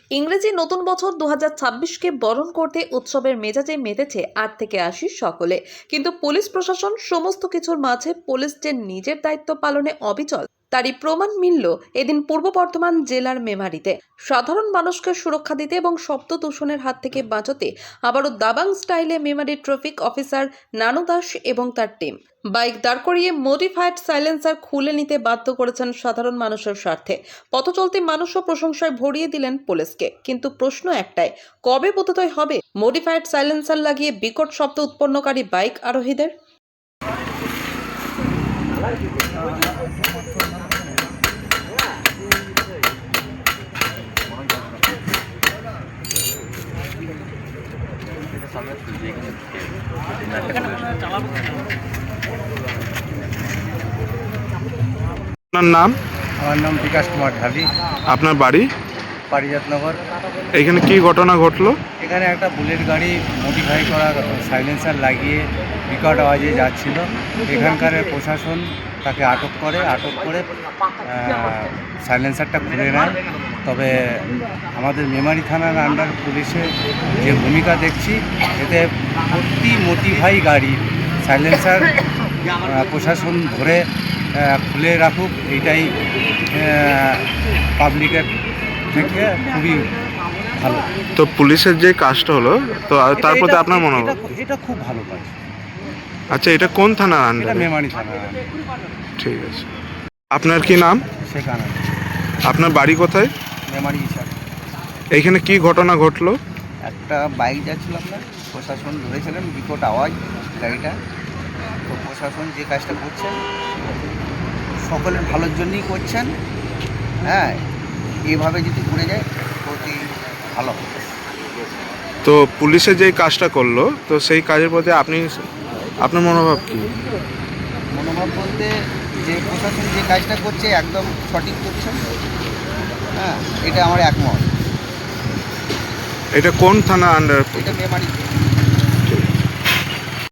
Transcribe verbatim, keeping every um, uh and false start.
ইংরেজি নতুন বছর দু হাজার ছাব্বিশকে বরণ করতে উৎসবের মেজাজে মেতেছে আট থেকে আশি সকলে। কিন্তু পুলিশ প্রশাসন সমস্ত কিছুর মাঝে পুলিশ যে নিজের দায়িত্ব পালনে অবিচল তারই প্রমাণ মিলল এদিন পূর্ব বর্ধমান জেলার মেমারিতে। সাধারণ মানুষকে সুরক্ষা দিতে এবং শব্দ দূষণের হাত থেকে বাঁচাতে আবারও দাবাং স্টাইলে মেমারি ট্রাফিক অফিসার নানু দাস এবং তার টিম বাইক দাঁড় করিয়ে মডিফাইড সাইলেন্সার খুলে নিতে বাধ্য করেছেন সাধারণ মানুষের স্বার্থে। পথচলতি মানুষও প্রশংসায় ভরিয়ে দিলেন পুলিশকে। কিন্তু প্রশ্ন একটাই, কবে বোধোদয় হবে মডিফাইড সাইলেন্সার লাগিয়ে বিকট শব্দ উৎপন্নকারী বাইক আরোহীদের? আপনার নাম? আমার নাম বিকাশ কুমার ঢালি। আপনার বাড়ি? পারিজাতনগর। এখানে কি ঘটনা ঘটলো? এখানে একটা বুলেট গাড়ি মডিফাই করা সাইলেন্সার লাগিয়ে বিকট আওয়াজে যাচ্ছিল। এখানকার প্রশাসন তাকে আটক করে আটক করে সাইলেন্সারটা খুলে নেয়। তবে আমাদের মেমারি থানার আন্ডার পুলিশের যে ভূমিকা দেখছি, এতে প্রতি মডিফাই গাড়ি সাইলেন্সার প্রশাসন ধরে খুলে রাখুক, এইটাই পাবলিকের থেকে খুবই ভালো। তো পুলিশের যে কাজটা হলো, তো তার প্রতি আপনার মনে হয়? এটা খুব ভালো কাজ। আচ্ছা, এটা কোন থানা আন্ডারে? এটা মেমারি থানা। ঠিক আছে। আপনার কি নাম? সেখানে। আপনার বাড়ি কোথায়? মেমারি হিসাব। এইখানে কি ঘটনা ঘটলো? একটা বাইক যাচ্ছিল, আপনার প্রশাসন ধরেছিলেন বিকট আওয়াজ গাড়িটা। তো প্রশাসন যে কাজটা করছেন সকলের ভালোর জন্যই করছেন। হ্যাঁ, এইভাবে যদি করে যায় অতি ভালো হবে। তো পুলিশে যে কাজটা করলো, তো সেই কাজের প্রতি আপনি আপনার মনোভাব কি? মনোভাব বলতে, যে প্রশাসন যে কাজটা করছে একদম সঠিক করছেন। হ্যাঁ, এটা আমার একমত। এটা কোন থানা আন্ডার? এটা মেমারি।